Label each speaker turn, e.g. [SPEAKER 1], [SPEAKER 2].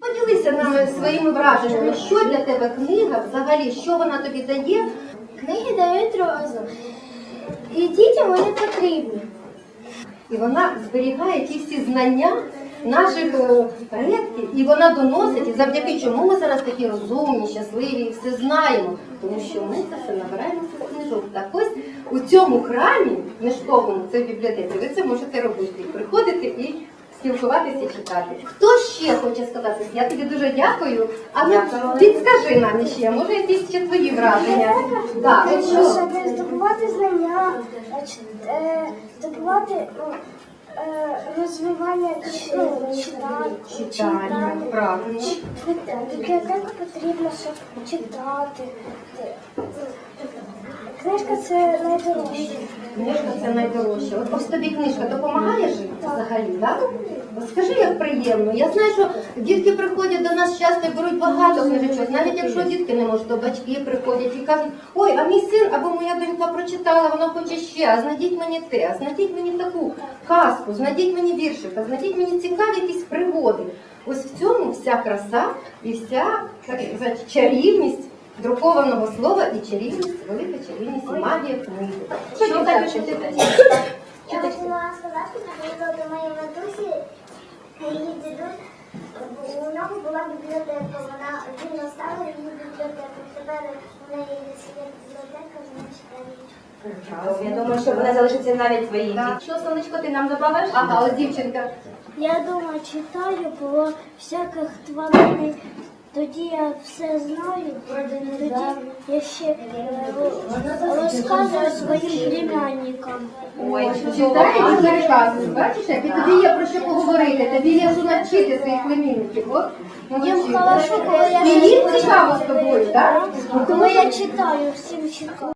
[SPEAKER 1] Поділися нами своїми враженнями. Що для тебе книга взагалі? Що вона тобі дає?
[SPEAKER 2] Книги дають розум. І дітям вони потрібні.
[SPEAKER 1] І вона зберігає ті всі знання наших предків, і вона доносить, і завдяки чому ми зараз такі розумні, щасливі, і все знаємо. Тому що ми це все набираємо з книжок. Так ось у цьому храмі книжковому, це в бібліотеці, ви це можете робити. Приходити і спілкуватися і читати. Хто ще хоче сказати? Я тобі дуже дякую. А ну, підскажи нам ще, може якісь ще твої враження? Так, от що?
[SPEAKER 2] Щоб здобувати знання, здобувати розвивання
[SPEAKER 1] Читання, правильно.
[SPEAKER 2] Бібліотеку потрібно, щоб читати. Книжка – це найдорожче.
[SPEAKER 1] Книжка – це найдорожче. От ось тобі книжка допомагає жити взагалі, так? Скажи, як приємно. Я знаю, що дітки приходять до нас часто і беруть багато книжечок. Навіть якщо дітки не можуть, то батьки приходять і кажуть: ой, а мій син або моя донька прочитала, вона хоче ще, а знайдіть мені те, а знайдіть мені таку казку, знайдіть мені віршик, а знайдіть мені цікаві якісь пригоди. Ось в цьому вся краса і вся, так сказати, чарівність друкованого слова і чарівність, велика чарівність і магія книги. Що ти хочеш читати?
[SPEAKER 2] Я хотіла сказати, наприклад, до моєї матусі, її дідусь, у нього була бібліотека, він оставив її бібліотеку. Тепер у неї є бібліотека, вона читає.
[SPEAKER 3] Я думаю, що вона залишиться навіть твоїй. Що, сонечко, ти нам добавиш?
[SPEAKER 1] Ага, ось дівчинка.
[SPEAKER 2] Я дома читаю про всяких тварин. Тоді я все знаю, тоді я ще розказую своїм племянникам.
[SPEAKER 3] Ой,
[SPEAKER 1] Читаєш і переказуєш, бачиш, як і тобі є про що поговорити, тобі є що навчити своїх племінників. От,
[SPEAKER 2] Їм хорошо, коли
[SPEAKER 1] і їм цікаво з тобою, так?
[SPEAKER 2] коли я читаю, всім читаю.